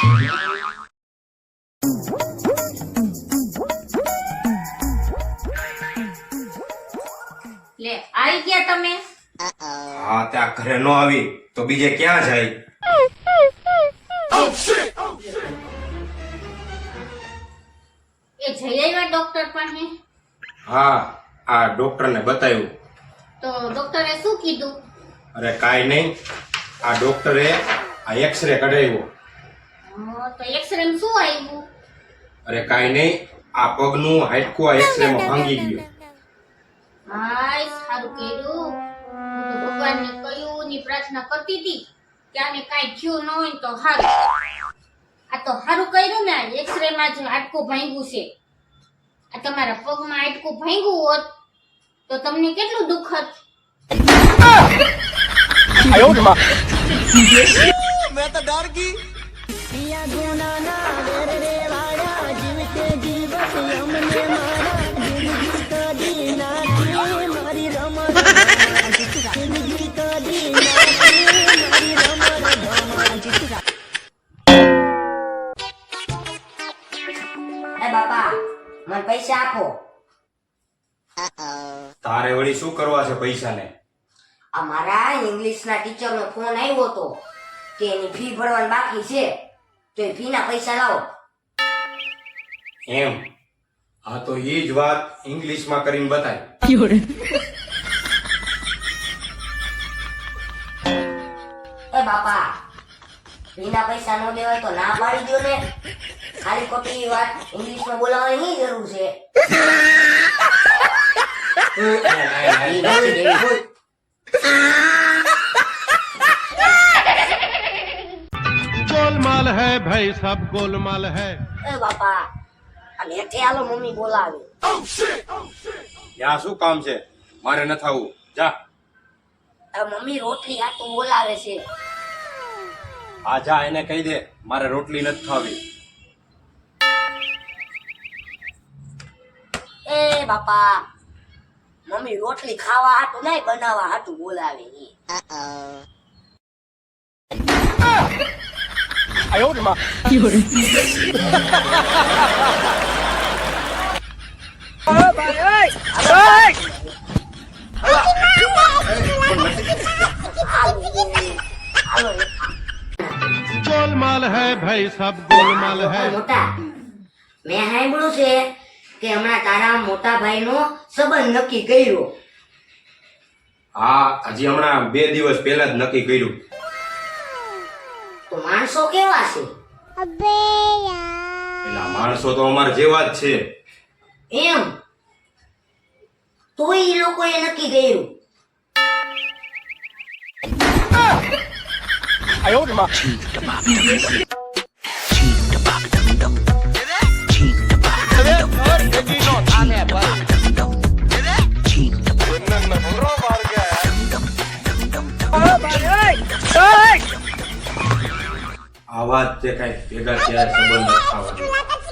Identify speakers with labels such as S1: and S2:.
S1: લે આવી ગયા તમે?
S2: હા ત્યાં ઘરે નો આવી તો બીજે ક્યાં જાય?
S1: એ જઈ આવ્યા ડોક્ટર પાસે?
S2: હા આ ડોક્ટર ને બતાવ્યું.
S1: તો ડોક્ટરે શું કીધું?
S2: અરે કાઈ નહીં, આ ડોક્ટરે આ એક્સરે કઢાવ્યો.
S1: તો એક્સરે માં શું આવ્યું?
S2: અરે કાઈ નહીં, આ પગનું હાડકું આ એક્સરે માં ભાંગી ગયું.
S1: હાય સારું કર્યું. હું તો ભગવાનને કહ્યું ની પ્રાર્થના કરતી હતી કે આને કાંઈ થયું ન હોય તો સારું. આ તો સારું કર્યું ને, એક્સરે માં જ હાડકું ભાંગ્યું છે. આ તમારા પગમાં હાડકું ભાંગ્યું હોત તો તમને કેટલું દુઃખ હતું.
S3: मैं तो डर गई।
S4: બાપા મને પૈસા આપો.
S2: તારે વળી શું કરવા છે પૈસા ને?
S4: અમારા ઇંગ્લિશ ના ટીચર નો ફોન આવ્યો હતો કે એની ફી ભરવાની બાકી છે તો એ ફી ના પૈસા લાવો.
S2: એમ? હા તો એ જ વાત ઇંગ્લિશ માં કરીને બતાય.
S4: એ બાપા ફી ના પૈસા ન દેવાય તો ના પાડી દો ને. ખાલી ખોટી વાત ઇંગ્લિશ માં બોલાવવાની જરૂર છે.
S5: गोलमाल है भाई, सब गोलमाल है।
S4: એ બાપા આ નેઠે આલો મમ્મી બોલાવે.
S2: ત્યાં શું કામ છે? મારે ન થવું, જા.
S4: મમ્મી રોટલી હાટું બોલાવે છે.
S2: આ જા એને કહી દે મારે રોટલી નથી ખાવી.
S4: એ બાપા મમ્મી રોટલી ખાવા હાટું નહીં બનાવવા હાટું બોલાવે ઈ.
S5: गोलमाल है भाई, सब गोलमाल है।
S4: મોટા મેં સાંભળ્યું છે કે હમણાં તારા મોટા ભાઈ નો સંબંધ નક્કી કર્યો.
S2: હા હજી હમણાં 2 દિવસ પહેલા જ નક્કી કર્યું.
S4: તો માણસો કેવા છે?
S2: એટલે માણસો તો અમારા જેવા જ છે.
S4: એમ તોય એ લોકોએ નક્કી કર્યું.
S2: આ વાત તે કઈ ભેગા ત્યારે સંબંધ નથી થવાનો.